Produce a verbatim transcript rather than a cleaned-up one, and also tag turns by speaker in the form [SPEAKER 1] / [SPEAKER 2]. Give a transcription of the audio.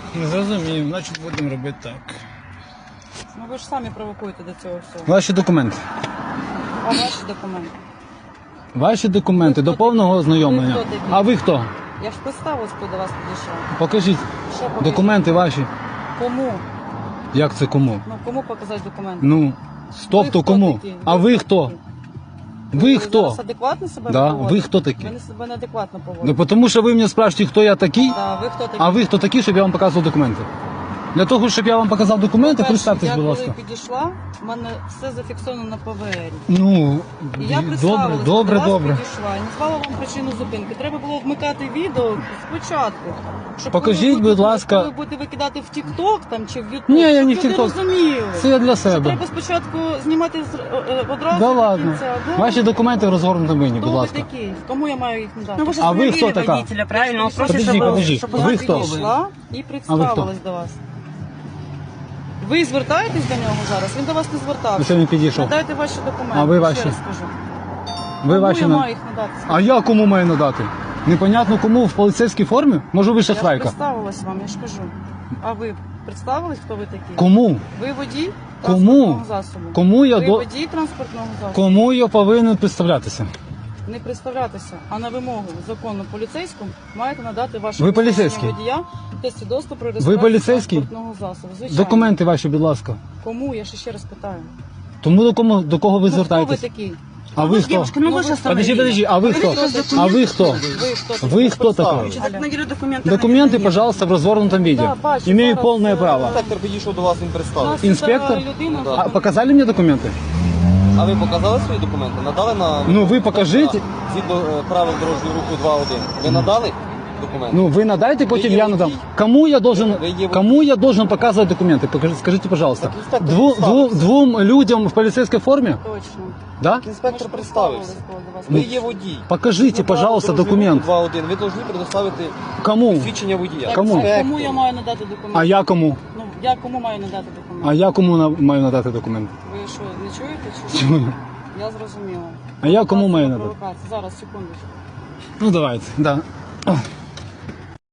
[SPEAKER 1] Не зрозумів, значить будемо робити так.
[SPEAKER 2] Ну ви ж самі провокуєте до цього всього.
[SPEAKER 1] Ваші документи.
[SPEAKER 2] А ваші документи?
[SPEAKER 1] Ваші документи
[SPEAKER 2] Ви
[SPEAKER 1] до
[SPEAKER 2] хто
[SPEAKER 1] повного
[SPEAKER 2] такий?
[SPEAKER 1] ознайомлення.
[SPEAKER 2] Ви хто такий?
[SPEAKER 1] А ви хто?
[SPEAKER 2] Я ж представилась, коли до вас підійшла.
[SPEAKER 1] Покажіть
[SPEAKER 2] Що покажіть?
[SPEAKER 1] документи ваші.
[SPEAKER 2] Кому?
[SPEAKER 1] Як це кому?
[SPEAKER 2] Ну кому показати документи?
[SPEAKER 1] Ну, тобто
[SPEAKER 2] Ви хто
[SPEAKER 1] кому?
[SPEAKER 2] такі?
[SPEAKER 1] А ви хто?
[SPEAKER 2] такі?
[SPEAKER 1] Ви хто?
[SPEAKER 2] зараз адекватно себе
[SPEAKER 1] Да,
[SPEAKER 2] поводите?
[SPEAKER 1] ви хто такі?
[SPEAKER 2] Ви не себе неадекватно поводите.
[SPEAKER 1] Ну, тому що ви мене спрашуєте, хто я такий,
[SPEAKER 2] Да, ви хто такі?
[SPEAKER 1] а ви хто такий, щоб я вам показував документи. Для того, щоб я вам показав документи,
[SPEAKER 2] По-перше,
[SPEAKER 1] представтесь, будь ласка.
[SPEAKER 2] Я коли підійшла, в мене все зафіксовано на П В Р.
[SPEAKER 1] Ну,
[SPEAKER 2] І я
[SPEAKER 1] добре,
[SPEAKER 2] представилась,
[SPEAKER 1] добре,
[SPEAKER 2] до вас
[SPEAKER 1] добре.
[SPEAKER 2] підійшла і назвала вам причину зупинки. Треба було вмикати відео спочатку. Щоб
[SPEAKER 1] Покажіть,
[SPEAKER 2] коли ви
[SPEAKER 1] будь
[SPEAKER 2] будете-
[SPEAKER 1] ласка.
[SPEAKER 2] Коли ви будете викидати в Тік-Ток там чи в Ютуб,
[SPEAKER 1] Ні, я
[SPEAKER 2] щоб
[SPEAKER 1] не в
[SPEAKER 2] люди
[SPEAKER 1] TikTok.
[SPEAKER 2] розуміли.
[SPEAKER 1] Це я для
[SPEAKER 2] Що
[SPEAKER 1] себе.
[SPEAKER 2] треба спочатку знімати з- е, е, одразу
[SPEAKER 1] Да
[SPEAKER 2] до
[SPEAKER 1] ладно.
[SPEAKER 2] кінця. Да?
[SPEAKER 1] Ваші документи в розгорнутому мені, будь
[SPEAKER 2] Хто ви
[SPEAKER 1] ласка.
[SPEAKER 2] такі? Кому я маю їх надати?
[SPEAKER 3] Ну ви ж
[SPEAKER 1] А ви
[SPEAKER 3] остановили
[SPEAKER 1] хто така?
[SPEAKER 3] водителя, правильно? Он просит,
[SPEAKER 1] Подожди,
[SPEAKER 3] чтобы,
[SPEAKER 1] подожди.
[SPEAKER 3] чтобы
[SPEAKER 1] Ви
[SPEAKER 3] вас
[SPEAKER 1] хто?
[SPEAKER 3] вывели.
[SPEAKER 2] Підійшла і представилась до вас. Ви звертаєтесь до нього зараз? Він до вас не
[SPEAKER 1] Ви
[SPEAKER 2] звертався.
[SPEAKER 1] сьогодні підійшов.
[SPEAKER 2] Надайте ваші документи.
[SPEAKER 1] А ви
[SPEAKER 2] ще
[SPEAKER 1] ваші?
[SPEAKER 2] раз скажу.
[SPEAKER 1] Ви
[SPEAKER 2] Кому
[SPEAKER 1] ваші
[SPEAKER 2] я
[SPEAKER 1] на-
[SPEAKER 2] маю їх надати?
[SPEAKER 1] А я кому маю надати? Непонятно кому в поліцейській формі? Може ви
[SPEAKER 2] Я ж
[SPEAKER 1] шахрайка?
[SPEAKER 2] представилась вам, я ж кажу. А ви представились, хто ви такі?
[SPEAKER 1] Кому?
[SPEAKER 2] Ви водій
[SPEAKER 1] Кому?
[SPEAKER 2] транспортного засобу.
[SPEAKER 1] Кому я
[SPEAKER 2] Ви
[SPEAKER 1] до...
[SPEAKER 2] водій транспортного засобу.
[SPEAKER 1] Кому я повинен представлятися?
[SPEAKER 2] Не представлятися, а на вимогу закону поліцейському маєте надати ваше
[SPEAKER 1] Ви
[SPEAKER 2] посвідчення
[SPEAKER 1] поліцейський?
[SPEAKER 2] водія та свідоцтво про реєстрацію
[SPEAKER 1] поліцейський?
[SPEAKER 2] транспортного засобу. Звичайно.
[SPEAKER 1] Документи ваші, будь ласка.
[SPEAKER 2] Кому? Я ще ще раз питаю.
[SPEAKER 1] Тому до кому до кого ви
[SPEAKER 2] Ну, хто ви
[SPEAKER 1] звертаєтесь?
[SPEAKER 2] такий?
[SPEAKER 1] А ви хто?
[SPEAKER 3] Девушка, ну
[SPEAKER 2] Ну,
[SPEAKER 3] вы же
[SPEAKER 2] вы-
[SPEAKER 3] остановили.
[SPEAKER 1] Подожди, подожди, а вы кто? А вы кто?
[SPEAKER 2] Ви хто такий?
[SPEAKER 1] Вы кто такой?
[SPEAKER 3] Значит, закономерные документы.
[SPEAKER 1] Документы,
[SPEAKER 3] нет.
[SPEAKER 1] пожалуйста, в развернутом виде.
[SPEAKER 2] Да, бачу,
[SPEAKER 1] Имею
[SPEAKER 2] зараз,
[SPEAKER 1] полное
[SPEAKER 2] е,
[SPEAKER 1] право.
[SPEAKER 4] Інспектор підійшов до вас, він
[SPEAKER 2] У
[SPEAKER 4] представив.
[SPEAKER 2] нас
[SPEAKER 1] Інспектор?
[SPEAKER 2] тут, е, людина,
[SPEAKER 4] Да.
[SPEAKER 1] А показали мне документы?
[SPEAKER 4] А ви показали свої документи? Надали на...
[SPEAKER 1] Ну, ви покажіть.
[SPEAKER 4] Згідно е, правил дорожнього руху два один. Ви надали документи?
[SPEAKER 1] Ну, вы надайте, потом
[SPEAKER 4] Вы
[SPEAKER 1] я
[SPEAKER 4] не
[SPEAKER 1] надам.
[SPEAKER 4] водитель?
[SPEAKER 1] Кому я должен,
[SPEAKER 4] Вы не водитель?
[SPEAKER 1] кому я должен показывать документы? Покажи- Скажите, пожалуйста.
[SPEAKER 4] Так инспектор
[SPEAKER 1] Дву, дву,
[SPEAKER 4] представился.
[SPEAKER 1] двум людям в полицейской форме?
[SPEAKER 2] Точно.
[SPEAKER 1] Да?
[SPEAKER 4] Інспектор
[SPEAKER 2] Ми ж
[SPEAKER 4] представився.
[SPEAKER 2] представились, коли до вас
[SPEAKER 4] Ви
[SPEAKER 2] підійшли.
[SPEAKER 4] є водій.
[SPEAKER 1] Покажите,
[SPEAKER 4] Згідно правил
[SPEAKER 1] пожалуйста,
[SPEAKER 4] дорожнього руху
[SPEAKER 1] документ.
[SPEAKER 4] два один. Ви повинні предоставити
[SPEAKER 1] Кому?
[SPEAKER 4] свідчення водія.
[SPEAKER 2] Так,
[SPEAKER 1] Кому?
[SPEAKER 2] а кому я маю надати документи?
[SPEAKER 1] А я кому?
[SPEAKER 2] Ну, я кому маю надати документи?
[SPEAKER 1] А я кому на- маю надати документ?
[SPEAKER 2] Ви що, не чуєте чи що?
[SPEAKER 1] Чую.
[SPEAKER 2] Я зрозуміла.
[SPEAKER 1] А я кому маю
[SPEAKER 2] Провокація,
[SPEAKER 1] надати?
[SPEAKER 2] провокація. Зараз, секундочку.
[SPEAKER 1] Ну давайте, да.